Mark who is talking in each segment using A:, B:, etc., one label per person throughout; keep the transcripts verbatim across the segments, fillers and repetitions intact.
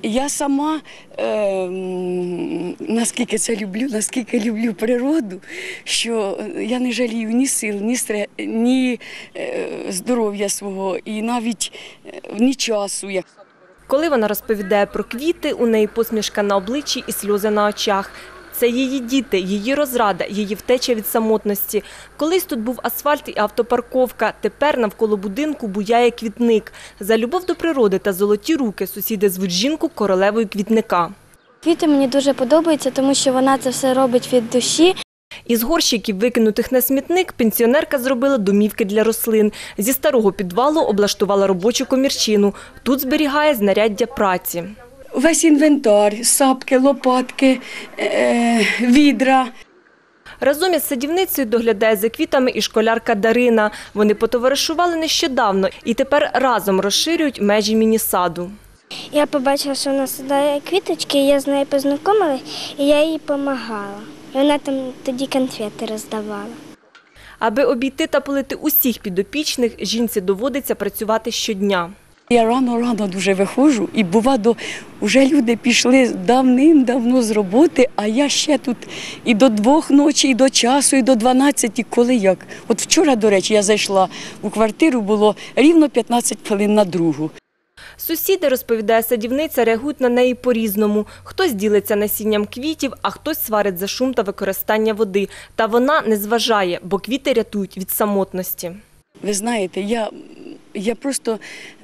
A: Я сама, е, наскільки це люблю, наскільки люблю природу, що я не жалію ні сил, ні, стре, ні е, здоров'я свого і навіть е, ні часу.
B: Коли вона розповідає про квіти, у неї посмішка на обличчі і сльози на очах. Це її діти, її розрада, її втеча від самотності. Колись тут був асфальт і автопарковка, тепер навколо будинку буяє квітник. За любов до природи та золоті руки сусіди звуть жінку королевою квітника.
C: Квіти мені дуже подобаються, тому що вона це все робить від душі.
B: Із горщиків, викинутих на смітник, пенсіонерка зробила домівки для рослин. Зі старого підвалу облаштувала робочу комірчину. Тут зберігає знаряддя праці.
A: Весь інвентар, сапки, лопатки, е, відра.
B: Разом із садівницею доглядає за квітами і школярка Дарина. Вони потоваришували нещодавно і тепер разом розширюють межі міні-саду.
C: Я побачила, що вона садає квіточки, я з нею познайомилася, і я їй допомагала. І вона там тоді конфети роздавала.
B: Аби обійти та полити усіх підопічних, жінці доводиться працювати щодня.
A: Я рано-рано дуже виходжу, і буває, вже люди пішли давним-давно з роботи, а я ще тут і до двох ночі, і до часу, і до дванадцяти, коли як. От вчора, до речі, я зайшла у квартиру, було рівно п'ятнадцять хвилин на другу.
B: Сусіди, розповідає садівниця, реагують на неї по-різному. Хтось ділиться насінням квітів, а хтось сварить за шум та використання води. Та вона не зважає, бо квіти рятують від самотності.
A: Ви знаєте, я, я просто,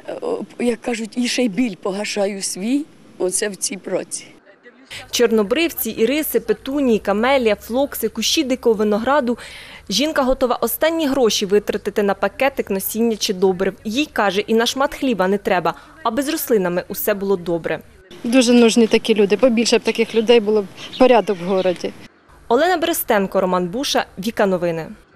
A: як кажуть, і ще й біль погашаю свій, оце в цій праці.
B: Чорнобривці, іриси, петунії, камелія, флокси, кущі дикого винограду. Жінка готова останні гроші витратити на пакетик, насіння чи добрив. Їй, каже, і на шмат хліба не треба, аби з рослинами усе було добре.
D: Дуже нужні такі люди, побільше б таких людей було б порядок в місті.
B: Олена Берестенко, Роман Буша, Віка Новини.